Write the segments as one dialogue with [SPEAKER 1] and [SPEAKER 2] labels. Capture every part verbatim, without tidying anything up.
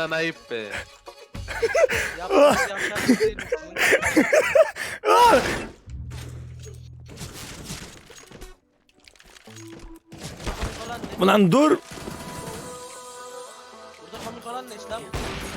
[SPEAKER 1] Senden ayıp be.
[SPEAKER 2] Yapma yapacak bir şey misin? Komik olan ne?
[SPEAKER 3] Ulan dur.
[SPEAKER 2] Burada komik olan ne İslam?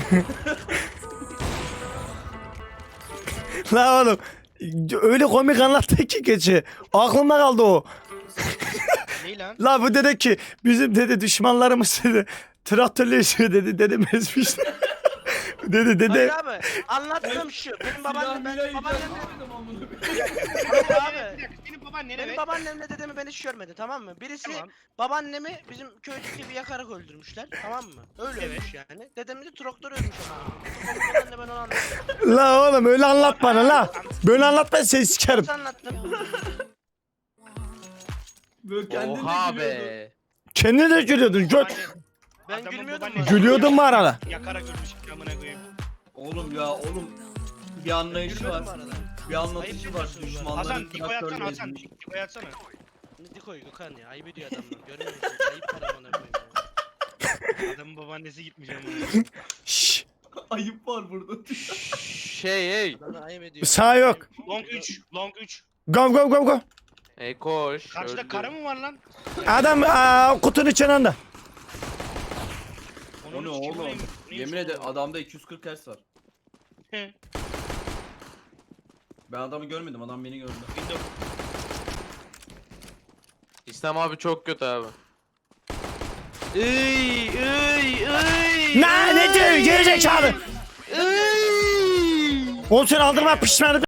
[SPEAKER 3] La oğlum. Öyle komik anlattı ki geçi. Aklımda kaldı o.
[SPEAKER 2] Ney lan?
[SPEAKER 3] La bu dedi ki bizim dedi düşmanlarımız dedi traktörle yaşıyor dedi dedem ezmiş. dedi
[SPEAKER 2] Hayır
[SPEAKER 3] dede
[SPEAKER 2] abi anlattığım şu. Benim babaannem ben babaannem abi.
[SPEAKER 4] Senin baban nene
[SPEAKER 2] Benim
[SPEAKER 4] be?
[SPEAKER 2] babaannemle dedemi ben hiç görmedi tamam mı? Birisi
[SPEAKER 4] Tamam.
[SPEAKER 2] babaannemi bizim köydeki bir yakarak öldürmüşler tamam mı? Öyle
[SPEAKER 4] Evet.
[SPEAKER 2] ölmüş yani. Dedemi de traktör ölmüş ama. Komik olan ne ben onu anlattım.
[SPEAKER 3] la oğlum öyle anlat bana la. Böyle anlatma seni sikerim.
[SPEAKER 2] Nasıl anlattım?
[SPEAKER 5] Böyle kendin
[SPEAKER 1] Oha
[SPEAKER 5] de gülüyordun.
[SPEAKER 1] be.
[SPEAKER 3] Kendine de gülüyordun göt.
[SPEAKER 2] Ben
[SPEAKER 4] Adamın
[SPEAKER 2] gülmüyordum
[SPEAKER 4] babaannesi-
[SPEAKER 2] mu?
[SPEAKER 3] Gülüyordun mu arada?
[SPEAKER 4] Yakarak ölmüş amına koyayım.
[SPEAKER 5] Oğlum ya oğlum. Bir anlayışı
[SPEAKER 2] Gülmüyordum
[SPEAKER 5] var.
[SPEAKER 2] bu arada.
[SPEAKER 5] Bir anlatışı var.
[SPEAKER 2] Ayıp
[SPEAKER 5] Düşmanların
[SPEAKER 4] Hasan Diko'yu atsana
[SPEAKER 5] traktörle
[SPEAKER 4] Hasan.
[SPEAKER 5] ezmiş.
[SPEAKER 4] Diko'yu atsana.
[SPEAKER 2] Ne dikoy Gökhan ya ayıp ediyor adamlar. Görmüyor musun? Ayıp para bana koyayım ya.
[SPEAKER 4] Adamın babaannesi gitmiş amına.
[SPEAKER 3] Şşş.
[SPEAKER 5] Ayıp var burada.
[SPEAKER 1] Şey hey.
[SPEAKER 2] Adamlar ayıp ediyor.
[SPEAKER 3] Sağ yok.
[SPEAKER 4] Long üç. Long üç.
[SPEAKER 3] Go go go go.
[SPEAKER 1] Hey koş.
[SPEAKER 4] Karşıda
[SPEAKER 1] öldü.
[SPEAKER 4] karı mı var lan?
[SPEAKER 3] Adam aa, kutunun içinde.
[SPEAKER 5] O ne oğlum? Yemin ederim adamda iki yüz kırk hertz var.
[SPEAKER 4] He.
[SPEAKER 5] Ben adamı görmedim, adam beni gördü.
[SPEAKER 4] Windows.
[SPEAKER 1] İslam abi çok kötü abi. Iy ıy ıy.
[SPEAKER 3] Ne ne diyor gerizekalı?
[SPEAKER 1] Iy.
[SPEAKER 3] Olsun aldırma pişmanı.